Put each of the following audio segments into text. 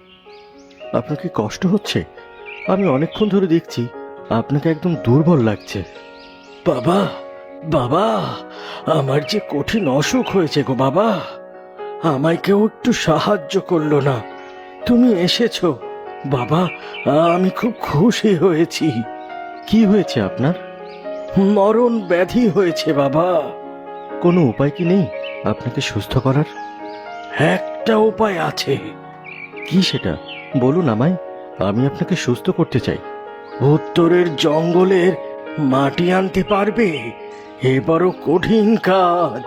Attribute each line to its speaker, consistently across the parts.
Speaker 1: আপনার কি কষ্ট হচ্ছে? আমি অনেকক্ষণ ধরে দেখছি আপনাকে একদম দুর্বল লাগছে। বাবা, বাবা, আমার যে কঠিন অসুখ হয়েছে গো বাবা, আমায় কেউ একটু সাহায্য করলো না। তুমি এসেছো বাবা, আমি খুব খুশি হয়েছি। কি হয়েছে আপনার? মরণ ব্যাধি হয়েছে বাবা। কোনো উপায় কি নেই আপনাকে সুস্থ করার? একটা উপায় আছে। কি সেটা বলুন আমায়, আমি আপনাকে সুস্থ করতে চাই। উত্তরের জঙ্গলের মাটি আনতে পারবে? এ বড় কঠিন কাজ।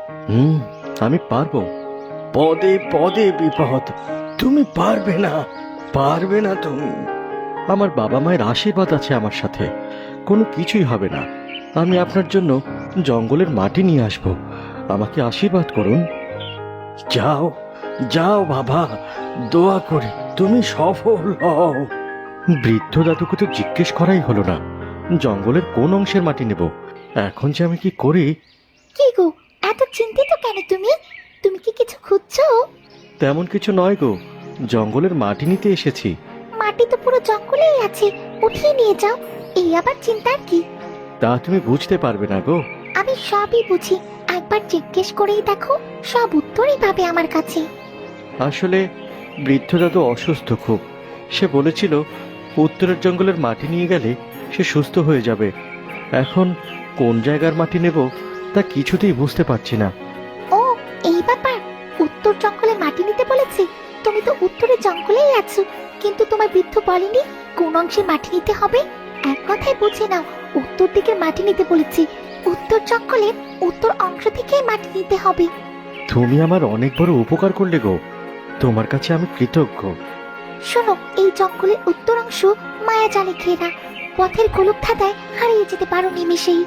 Speaker 1: আমি পারবো। পদে পদে বিপদ, তুমি পারবে না, পারবে না তুমি। আমার বাবা মায়ের আশীর্বাদ আছে আমার সাথে, কোনো কিছুই হবে না। আমি আপনার জন্য জঙ্গলের মাটি নিয়ে আসবো, আমাকে আশীর্বাদ করুন। যাও যাও বাবা, দোয়া করি তুমি সফল হও। বৃদ্ধ দাদুকে তো জিজ্ঞেস করাই হলো না জঙ্গলের কোন অংশের মাটি নেব। এখন যে আমি কি করি।
Speaker 2: কি গো, এত চিন্তিত কেন তুমি? তুমি কি কিছু খুঁজছো?
Speaker 1: তেমন কিছু নয় গো, জঙ্গলের মাটি নিতে এসেছি।
Speaker 2: মাটি তো পুরো জঙ্গলেই আছে, উঠিয়ে নিয়ে যাও। এই আবার চিন্তার কি?
Speaker 1: তা তুমি বুঝতে পারবে না গো।
Speaker 2: আমি সবই বুঝি, একবার জিজ্ঞেস করেই দেখো, সব উত্তরই পাবে আমার কাছে।
Speaker 1: আসলে বৃদ্ধ দাদু অসুস্থ খুব। সে বলেছিল উত্তরের জঙ্গলের মাটি নিয়ে গেলে সে সুস্থ হয়ে যাবে। এখন কোন জায়গার মাটি নেব তা কিছুতেই বুঝতে পারছি না।
Speaker 2: ও, এই ব্যাপার। উত্তর জঙ্গলে মাটি নিতে বলেছে? তুমি তো উত্তরের জঙ্গলেই আছো, কিন্তু তোমার বৃদ্ধ বলেনি কোন অংশে মাটি নিতে হবে? এক কথায় বুঝে নাও, উত্তর দিকে মাটি নিতে বলেছি। উত্তর জঙ্গলের উত্তর অংশ থেকেই মাটি নিতে হবে।
Speaker 1: তুমি আমার অনেক বড় উপকার করলে গো, তোমার কাছে আমি কৃতজ্ঞ।
Speaker 2: শোনো, এই জঙ্গলের উত্তর অংশ মায়া জালে ঘেরা, পথের গোলক ধাঁধায় হারিয়ে যেতে পারো নিমেষেই।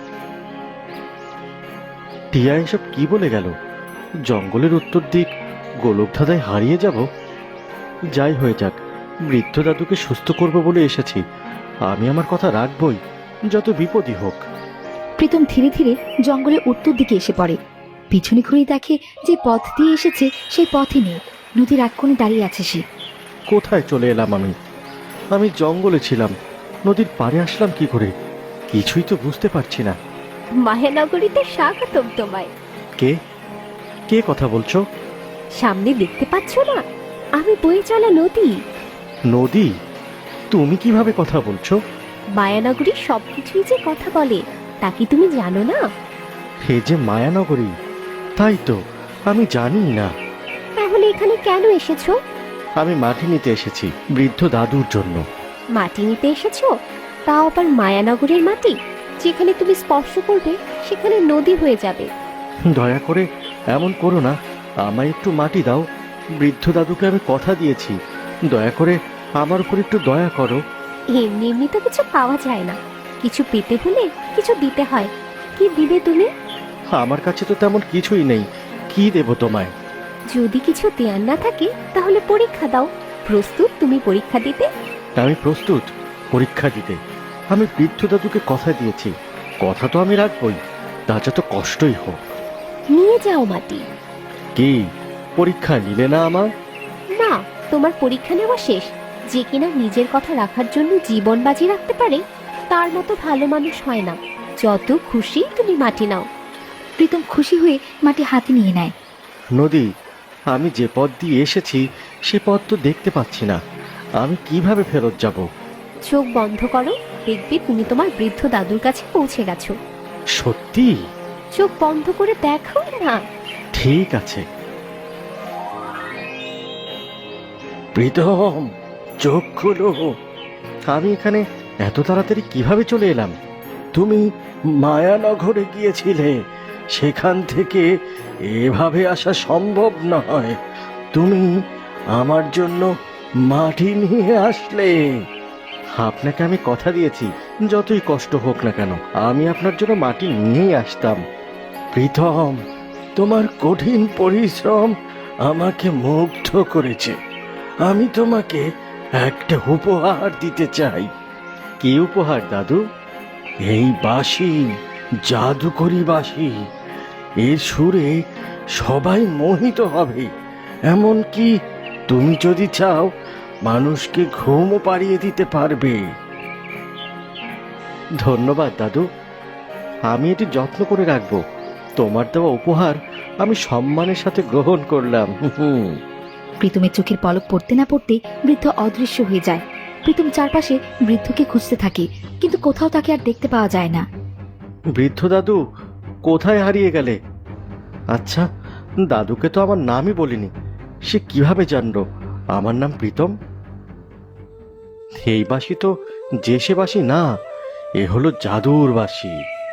Speaker 1: টিয়া এসব কি বলে গেল? জঙ্গলের উত্তর দিক গোলকধাঁধায় হারিয়ে যাব? যাই হয়ে যাক, বৃদ্ধ দাদুকে সুস্থ করব বলে এসেছি, আমি আমার কথা রাখবই, যত বিপদই হোক।
Speaker 3: প্রীতম ধীরে ধীরে জঙ্গলের উত্তর দিকে এসে পড়ে। পিছনে ঘুরে দেখে যে পথ দিয়ে এসেছে সেই পথে নেই, নদীর এক কোণে দাঁড়িয়ে আছে সে।
Speaker 1: কোথায় চলে এলাম আমি? আমি জঙ্গলে ছিলাম, নদীর পাড়ে আসলাম কি করে? কিছুই তো বুঝতে পারছি না।
Speaker 4: মায়ানগরীতে স্বাগতম তোমায়।
Speaker 1: কে কে কথা বলছো?
Speaker 4: সামনে দেখতে পাচ্ছ না, আমি বয়ে চলা নদী।
Speaker 1: নদী? তুমি কিভাবে কথা বলছো?
Speaker 4: মায়ানগরীর সবকিছুই যে কথা বলে, তা কি তুমি জানো না?
Speaker 1: হে যে মায়ানগরী, তাই তো আমি জানি না।
Speaker 4: তাহলে এখানে কেন এসেছো?
Speaker 1: আমি মাটি নিতে এসেছি বৃদ্ধ দাদুর জন্য।
Speaker 4: মাটি নিতে এসেছো? তাও আবার মায়ানগরের মাটি, যেখানে তুমি স্পর্শ করবে সেখানে নদী হয়ে যাবে।
Speaker 1: দয়া করে এমন করো না, আমায় একটু মাটি দাও। বৃদ্ধ দাদুকে আমি কথা দিয়েছি, দয়া করে আমার উপর একটু দয়া করো।
Speaker 4: এমনি এমনি তো কিছু পাওয়া যায় না, কিছু পেতে হলে কিছু দিতে হয়। কি দিবে তুমি?
Speaker 1: আমার কাছে তো তেমন কিছুই নেই, কি দেব তোমায়?
Speaker 4: যদি কিছু দেয়ার না থাকে তাহলে পরীক্ষা দাও। প্রস্তুত তুমি পরীক্ষা দিতে?
Speaker 1: আমি প্রস্তুত পরীক্ষা দিতে। আমি বৃদ্ধ দাদুকে কথা দিয়েছি, কথা তো আমি রাখবই, তা যত কষ্টই হোক।
Speaker 4: নিয়ে যাও মাটি।
Speaker 1: কি পরীক্ষা নিলে না আমার?
Speaker 4: না, তোমার পরীক্ষা নেওয়া শেষ। যে কিনা নিজের কথা রাখার জন্য জীবন বাজি রাখতে পারে, তার মতো ভালো মানুষ হয় না। যত খুশি তুমি মাটি নাও।
Speaker 3: প্রীতম খুশি হয়ে মাটি হাতে নিয়ে নেয়।
Speaker 1: নদী, আমি যে পথ দিয়ে এসেছি সে পথ তো দেখতে পাচ্ছি না, আমি কিভাবে ফেরত যাব?
Speaker 4: চোখ বন্ধ করো, দেখবে তুমি তোমার বৃদ্ধ দাদুর কাছে পৌঁছে গেছো।
Speaker 1: সত্যি?
Speaker 4: চোখ বন্ধ করে দেখো না।
Speaker 1: ঠিক আছে। প্রীতম, চোখ খোলো। আমি এখানে এত তাড়াতাড়ি কিভাবে চলে এলাম? তুমি মায়ানগরে গিয়েছিলে, সেখান থেকে এভাবে আসা সম্ভব নয়। তুমি আমার জন্য মাটি নিয়ে আসলে। আপনাকে আমি কথা দিয়েছি, যতই কষ্ট হোক না কেন আমি আপনার জন্য মাটি নিয়েই আসতাম। প্রীতম, তোমার কঠিন পরিশ্রম আমাকে মুগ্ধ করেছে। আমি তোমাকে একটা উপহার দিতে চাই। কি উপহার দাদু? এই বাঁশি, জাদুকরি বাঁশি। এর সুরে সবাই মোহিত হবে। এমনকি তুমি যদি চাও মানুষকে ঘুমও পাড়িয়ে দিতে পারবে। ধন্যবাদ দাদু, আমি এটি যত্ন করে রাখবো। তোমার দেওয়া উপহার আমি সম্মানের সাথে গ্রহণ করলাম।
Speaker 3: প্রীতমের চোখের পলক পড়তে না পড়তে বৃদ্ধ অদৃশ্য হয়ে যায়। প্রীতম চারপাশে বৃদ্ধকে খুঁজতে থাকে, কিন্তু কোথাও তাকে আর দেখতে পাওয়া যায় না।
Speaker 1: বৃদ্ধ দাদু, কোথায় হারিয়ে গেলে? আচ্ছা, দাদুকে তো আমার নামই বলিনি, সে কিভাবে জানলো আমার নাম প্রীতম? এই বাঁশি তো যে সে বাঁশি না, এ হলো জাদুর বাঁশি।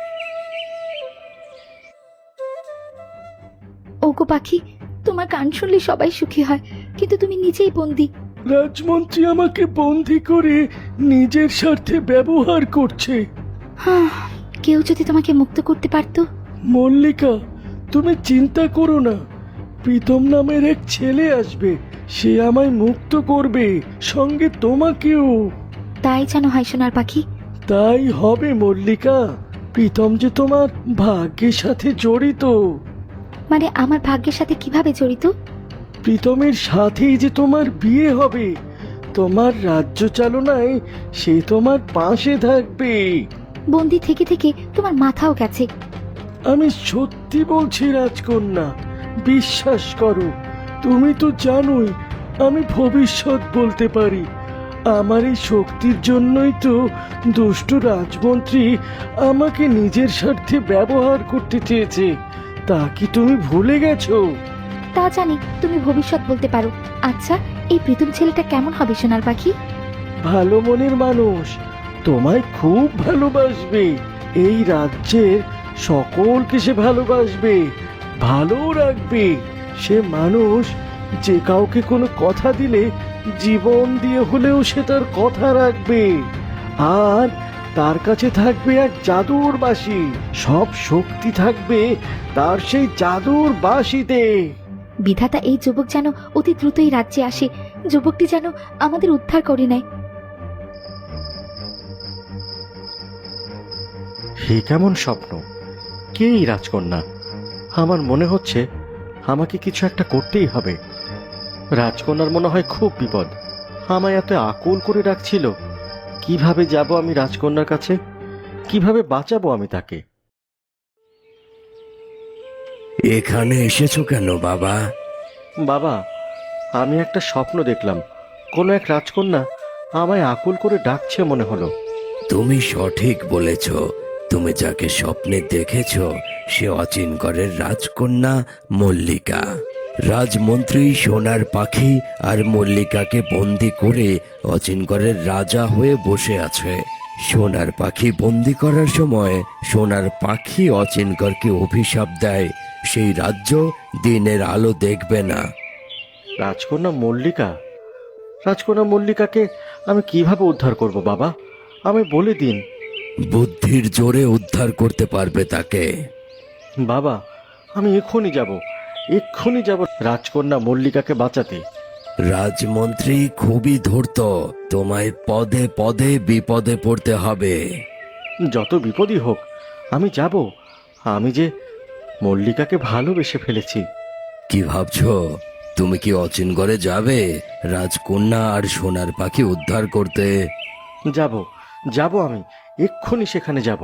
Speaker 3: ওগো পাখি, তোমার গান শুনলে সবাই সুখী হয়, কিন্তু তুমি নিজেই বন্দি।
Speaker 1: রাজমন্ত্রী আমাকে বন্দি করে নিজের স্বার্থে ব্যবহার করছে।
Speaker 3: কেউ যদি তোমাকে মুক্ত করতে পারতো।
Speaker 1: মল্লিকা, তুমি চিন্তা করো না, প্রীতম নামের এক ছেলে আসবে, সে আমায় মুক্ত করবে, সঙ্গে তোমাকেও।
Speaker 3: তাই জানো হয় সোনার পাখি।
Speaker 1: তাই হবে মল্লিকা, প্রীতম যে তোমার ভাগ্যের সাথে জড়িত।
Speaker 3: মানে আমার ভাগ্যের সাথে কিভাবে জড়িত?
Speaker 1: প্রীতমের সাথেই যে তোমার বিয়ে হবে, তোমার রাজ্য চালনায় সে তোমার পাশে থাকবে।
Speaker 3: বন্দি থেকে থেকে তোমার মাথাও গেছে।
Speaker 1: আমি সত্যি বলছি রাজকন্যা, বিশ্বাস করো। তুমি তো জানোই আমি ভবিষ্যৎ বলতে পারি। আমার এই শক্তির জন্যই তো দুষ্ট রাজমন্ত্রী আমাকে নিজের স্বার্থে ব্যবহার করতে চেয়েছে। তা কি তুমি ভুলে গেছো?
Speaker 3: তা জানি তুমি ভবিষ্যৎ বলতে পারো। আচ্ছা, এই প্রীতম ছেলেটা কেমন হবে সোনার পাখি?
Speaker 1: ভালো মনের মানুষ, তোমায় খুব ভালোবাসবে। এই রাজ্যের সকলকে সে ভালোবাসবে, ভালো রাখবে। সে মানুষ যে কাউকে কোনো কথা দিলে জীবন দিয়ে হলেও সে তার কথা রাখবে। আর তার কাছে থাকবে এক জাদুর বাঁশি, সব শক্তি থাকবে তার সেই জাদুর বাঁশিতে।
Speaker 3: বিধাতা এই যুবক যেন অতি দ্রুতই রাজ্যে আসে, যুবকটি যেন আমাদের উদ্ধার করে নেয়।
Speaker 1: হে কেমন স্বপ্ন! কে এই রাজকন্যা? আমার মনে হচ্ছে আমাকে কিছু একটা করতেই হবে। রাজকন্যার মনে হয় খুব বিপদ, আমায় এত আকুল করে রাখছিল। কিভাবে যাব আমি রাজকন্যার কাছে? কিভাবে বাঁচাবো আমি তাকে?
Speaker 5: এখানে এসেছো কেন বাবা?
Speaker 1: বাবা, আমি একটা স্বপ্ন দেখলাম, কোনো এক রাজকন্যা আমায় আকুল করে ডাকছে মনে হলো।
Speaker 5: তুমি সঠিক বলেছ। তুমি যাকে স্বপ্নে দেখেছ সে অচিনকরের রাজকন্যা মল্লিকা। রাজমন্ত্রী সোনার পাখি আর মল্লিকাকে বন্দি করে অচিনকরের রাজা হয়ে বসে আছে। সোনার পাখি বন্দি করার সময় সোনার পাখি অচিনকরকে অভিশাপ দেয়, সেই রাজ্য দিনের আলো দেখবে না।
Speaker 1: রাজকন্যা মল্লিকা, রাজকন্যা মল্লিকাকে আমি কিভাবে উদ্ধার করব বাবা? আমি বলে দিন।
Speaker 5: বুদ্ধির জোরে উদ্ধার করতে পারবে তাকে।
Speaker 1: বাবা, আমি এক্ষুনি যাব রাজকন্যা মল্লিকাকে বাঁচাতে।
Speaker 5: রাজমন্ত্রী খুবই ধূর্ত, তোমায় পদে পদে বিপদে পড়তে হবে।
Speaker 1: যত বিপদই হোক আমি যাব। আমি যে মল্লিকাকে ভালোবেসে ফেলেছি।
Speaker 5: কি ভাবছো? তুমি কি অচিনগড়ে যাবে রাজকন্যা আর সোনার পাখি উদ্ধার করতে?
Speaker 1: যাব আমি এক্ষুনি সেখানে যাব।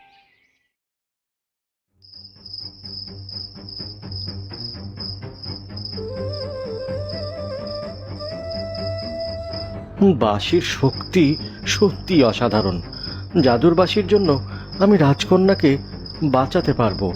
Speaker 1: বাঁশির শক্তি সত্যি অসাধারণ। জাদুর বাঁশির জন্য আমি রাজকন্যাকে বাঁচাতে পারবো।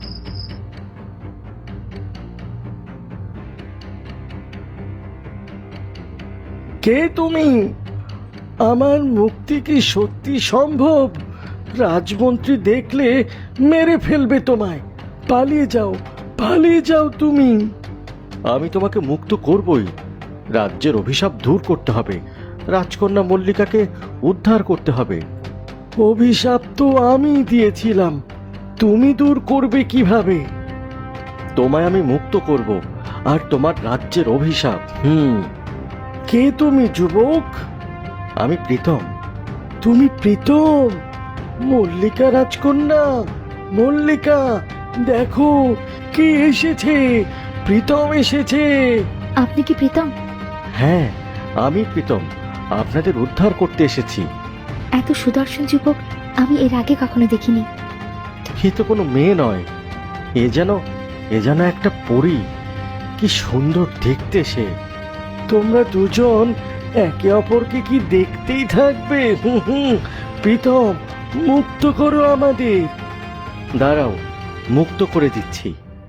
Speaker 1: কে তুমি? আমার মুক্তি কি সত্যি সম্ভব? রাজমন্ত্রী দেখলে মেরে ফেলবে তোমায়। পালিয়ে যাও তুমি। আমি তোমাকে মুক্ত করবই। রাজ্যের অভিশাপ দূর করতে হবে, রাজকন্যা মল্লিকাকে উদ্ধার করতে হবে। অভিশাপ তো আমি দিয়েছিলাম, তুমি দূর করবে কিভাবে? তোমায় আমি মুক্ত করব, আর তোমার রাজ্যের অভিশাপ। কে তুমি যুবক? আমি প্রীতম। তুমি প্রীতম? মল্লিকা রাজকন্যা, মল্লিকা দেখো কে এসেছে! প্রীতম এসেছে।
Speaker 3: আপনি কি প্রীতম?
Speaker 1: হ্যাঁ, আমি প্রীতম আপনাদের উদ্ধার করতে এসেছি।
Speaker 3: এত সুদর্শন যুবক আমি এর আগে কখনো দেখিনি।
Speaker 1: এ তো কোনো মেয়ে নয়, এ যেন একটা পরী। কি সুন্দর দেখতে সে। তোমরা দুজন একে অপরকে কি দেখতেই থাকবে? প্রীতম, মুক্ত করো আমাদের। দাঁড়াও, মুক্ত করে দিচ্ছি।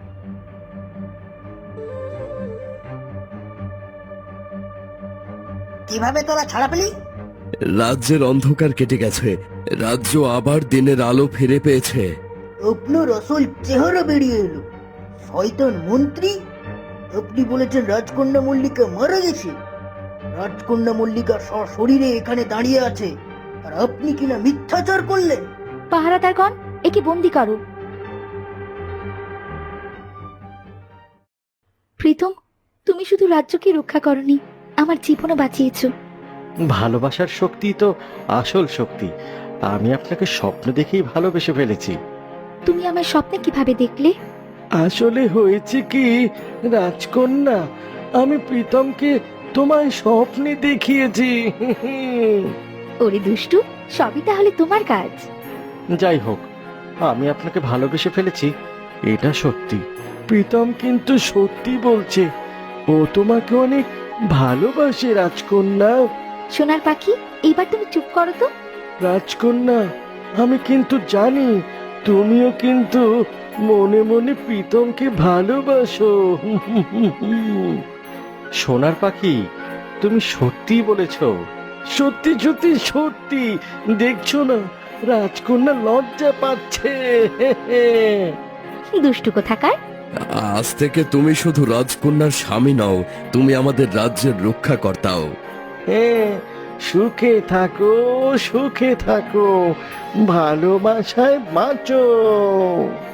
Speaker 6: কিভাবে তোরা ছাড়া পেলি?
Speaker 5: রাজ্যের অন্ধকার কেটে গেছে, রাজ্য আবার দিনের আলো ফিরে পেয়েছে।
Speaker 6: আপনার আসল চেহারা বেরিয়ে এলো। শয়তান মন্ত্রী, আপনি বলেছেন রাজকন্যা মল্লিকা মারা গেছে। রাজকন্যা মল্লিকা সশরীরে এখানে দাঁড়িয়ে আছে, আর আপনি কিনা মিথ্যাচার করলেন।
Speaker 3: পাহারাদারগণ, একে বন্দি করো। প্রীতম, তুমি শুধু রাজ্যকে রক্ষা করনি, আমার জীবনও বাঁচিয়েছো।
Speaker 1: ভালোবাসার শক্তি তো আসল শক্তি। আমি আপনাকে স্বপ্ন দেখেই ভালোবেসে ফেলেছি।
Speaker 3: তুমি আমার স্বপ্নে কিভাবে দেখলে?
Speaker 1: আসলে হয়েছে কি রাজকন্যা, আমি প্রীতমকে তোমায় স্বপ্নে দেখিয়েছি।
Speaker 3: ওরে দুষ্টু, সবই তাহলে তোমার কাজ।
Speaker 1: যাই হোক, আমি আপনাকে ভালোবেসে ফেলেছি, এটা সত্যি। প্রীতম কিন্তু সত্যি বলছে, ও তোমাকে অনেক ভালোবাসে রাজকন্যা।
Speaker 3: সোনার পাখি, এবার তুমি চুপ করো তো।
Speaker 1: রাজকন্যা, আমি কিন্তু জানি তুমিও কিন্তু মনে মনে প্রীতমকে ভালোবাসো। সোনার পাখি, তুমি সত্যি বলেছ। সত্যি সত্যি সত্যি, দেখছো না রাজকন্যা লজ্জা পাচ্ছে।
Speaker 3: দুষ্টু কোথাকার।
Speaker 5: আজ থেকে তুমি শুধু রাজকন্যার স্বামী নও, তুমি আমাদের রাজ্যের রক্ষাকর্তাও।
Speaker 1: হ্যাঁ, সুখে থাকো, সুখে থাকো, ভালোবাসায় বাঁচো।